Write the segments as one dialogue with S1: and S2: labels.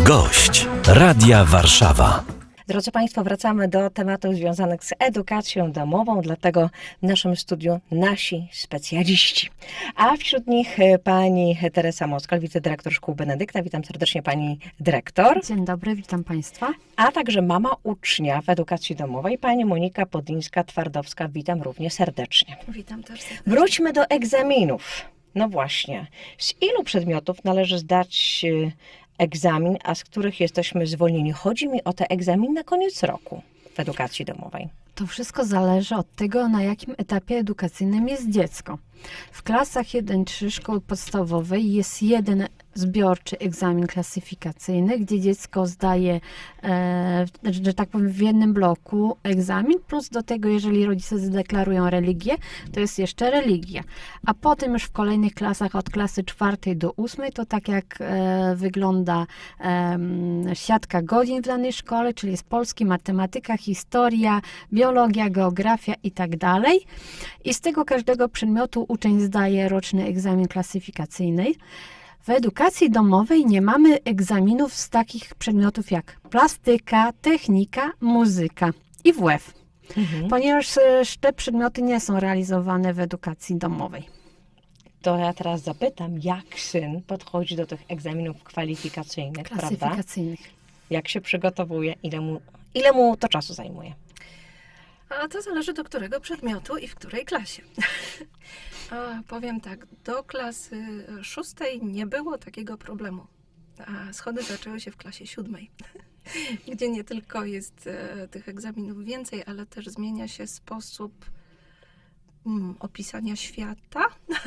S1: Gość Radia Warszawa.
S2: Drodzy Państwo, wracamy do tematów związanych z edukacją domową, dlatego w naszym studiu nasi specjaliści. A wśród nich pani Teresa Moskal, wicedyrektor szkół Benedykta. Witam serdecznie pani dyrektor.
S3: Dzień dobry, witam Państwa.
S2: A także mama ucznia w edukacji domowej, pani Monika Podlińska-Twardowska. Witam również serdecznie.
S4: Witam też serdecznie.
S2: Wróćmy do egzaminów. No właśnie, z ilu przedmiotów należy zdać egzamin, a z których jesteśmy zwolnieni? Chodzi mi o te egzaminy na koniec roku w edukacji domowej.
S3: To wszystko zależy od tego, na jakim etapie edukacyjnym jest dziecko. W klasach 1-3 szkoły podstawowej jest jeden zbiorczy egzamin klasyfikacyjny, gdzie dziecko zdaje, że tak powiem, w jednym bloku egzamin, plus do tego, jeżeli rodzice zadeklarują religię, to jest jeszcze religia. A potem już w kolejnych klasach, od klasy 4 do 8, to tak jak wygląda siatka godzin w danej szkole, czyli jest polski, matematyka, historia, biologia, geografia i tak dalej. I z tego każdego przedmiotu uczeń zdaje roczny egzamin klasyfikacyjny. W edukacji domowej nie mamy egzaminów z takich przedmiotów jak plastyka, technika, muzyka i WF, ponieważ te przedmioty nie są realizowane w edukacji domowej.
S2: To ja teraz zapytam, jak syn podchodzi do tych egzaminów kwalifikacyjnych, prawda?
S3: Klasyfikacyjnych.
S2: Jak się przygotowuje, ile mu to czasu zajmuje?
S4: A to zależy do którego przedmiotu i w której klasie. Powiem tak, do klasy 6 nie było takiego problemu. A schody zaczęły się w klasie 7, gdzie nie tylko jest tych egzaminów więcej, ale też zmienia się sposób opisania świata.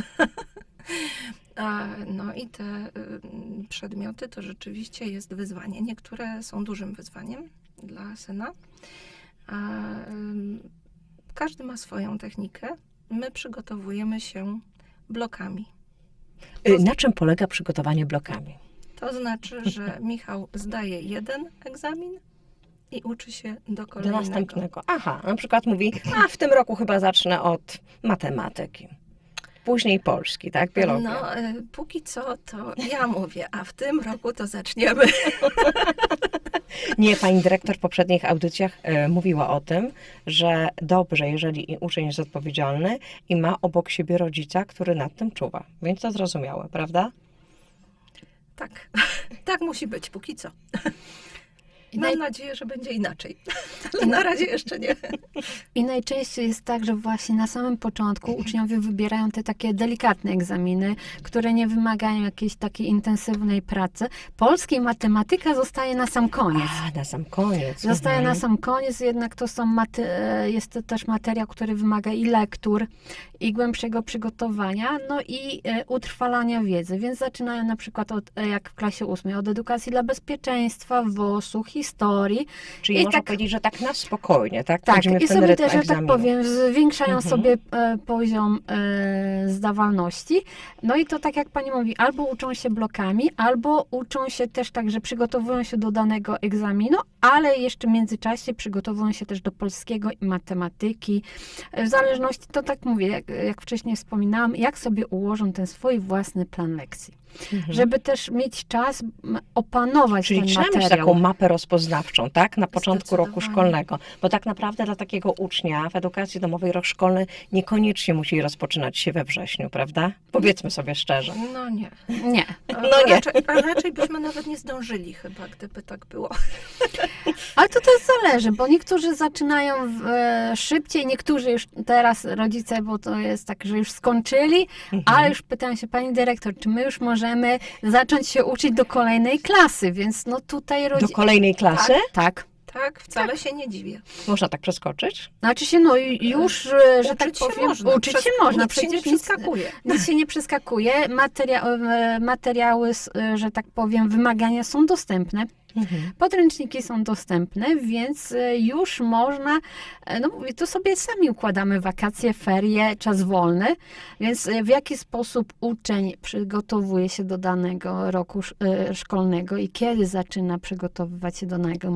S4: No i te przedmioty to rzeczywiście jest wyzwanie. Niektóre są dużym wyzwaniem dla syna. Każdy ma swoją technikę. My przygotowujemy się blokami.
S2: Na czym polega przygotowanie blokami?
S4: To znaczy, że Michał zdaje jeden egzamin i uczy się do kolejnego.
S2: Do następnego. Aha, na przykład mówi, a w tym roku chyba zacznę od matematyki. Później polski, tak? Biologia.
S4: No, póki co to ja mówię, a w tym roku to zaczniemy.
S2: Nie, pani dyrektor w poprzednich audycjach mówiła o tym, że dobrze, jeżeli uczeń jest odpowiedzialny i ma obok siebie rodzica, który nad tym czuwa. Więc to zrozumiałe, prawda?
S4: Tak, tak musi być póki co. Mam nadzieję, że będzie inaczej, ale na razie jeszcze nie.
S3: I najczęściej jest tak, że właśnie na samym początku uczniowie wybierają te takie delikatne egzaminy, które nie wymagają jakiejś takiej intensywnej pracy. Polski i matematyka zostaje na sam koniec.
S2: A, na sam koniec.
S3: Zostaje na sam koniec, jednak to jest to też materiał, który wymaga i lektur, i głębszego przygotowania, no i utrwalania wiedzy. Więc zaczynają na przykład jak w klasie 8, od edukacji dla bezpieczeństwa, WOS-u, historii.
S2: Czyli można powiedzieć, że tak na spokojnie, tak?
S3: Tak,
S2: Wchodzimy
S3: i
S2: w ten
S3: sobie
S2: rytm
S3: też, że tak
S2: egzaminu.
S3: powiem, zwiększają sobie poziom zdawalności. No i to tak jak pani mówi, albo uczą się blokami, albo uczą się też tak, że przygotowują się do danego egzaminu, ale jeszcze w międzyczasie przygotowują się też do polskiego i matematyki. W zależności, to tak mówię, jak wcześniej wspominałam, jak sobie ułożą ten swój własny plan lekcji. Żeby też mieć czas opanować
S2: Czyli
S3: ten
S2: trzeba mieć
S3: materiał.
S2: taką mapę rozpoznawczą, tak? Na początku roku
S4: Zdecydowanie.
S2: szkolnego. Bo tak naprawdę dla takiego ucznia w edukacji domowej rok szkolny niekoniecznie musi rozpoczynać się we wrześniu, prawda? Powiedzmy sobie szczerze.
S4: No nie.
S3: Nie.
S2: No nie.
S4: Raczej byśmy nawet nie zdążyli chyba, gdyby tak było.
S3: Ale to też zależy, bo niektórzy zaczynają szybciej, niektórzy już teraz rodzice, bo to jest tak, że już skończyli, ale już pytają się pani dyrektor, czy my już możemy zacząć się uczyć do kolejnej klasy, więc no tutaj
S2: Do kolejnej klasy?
S3: Tak.
S4: Tak, wcale się nie dziwię.
S2: Można tak przeskoczyć?
S3: Znaczy się, no już, że tak
S4: Uczyć się
S3: powiem,
S4: można.
S3: uczyć się można.
S4: Nic się nie przeskakuje.
S3: Nic się nie przeskakuje. Materiały, że tak powiem, wymagania są dostępne. Podręczniki są dostępne, więc już można, no mówię, tu sobie sami układamy wakacje, ferie, czas wolny, więc w jaki sposób uczeń przygotowuje się do danego roku szkolnego i kiedy zaczyna przygotowywać się do danego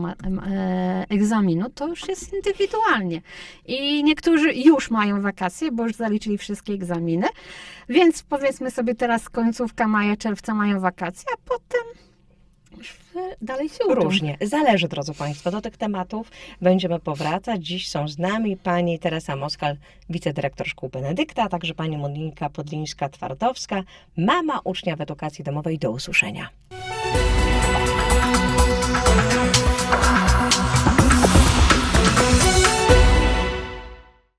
S3: egzaminu, to już jest indywidualnie. I niektórzy już mają wakacje, bo już zaliczyli wszystkie egzaminy, więc powiedzmy sobie teraz końcówka maja, czerwca mają wakacje, a potem dalej się uczą.
S2: Różnie. Zależy, drodzy Państwo. Do tych tematów będziemy powracać. Dziś są z nami pani Teresa Moskal, wicedyrektor szkół Benedykta, a także pani Monika Podlińska-Twardowska, mama ucznia w edukacji domowej. Do usłyszenia.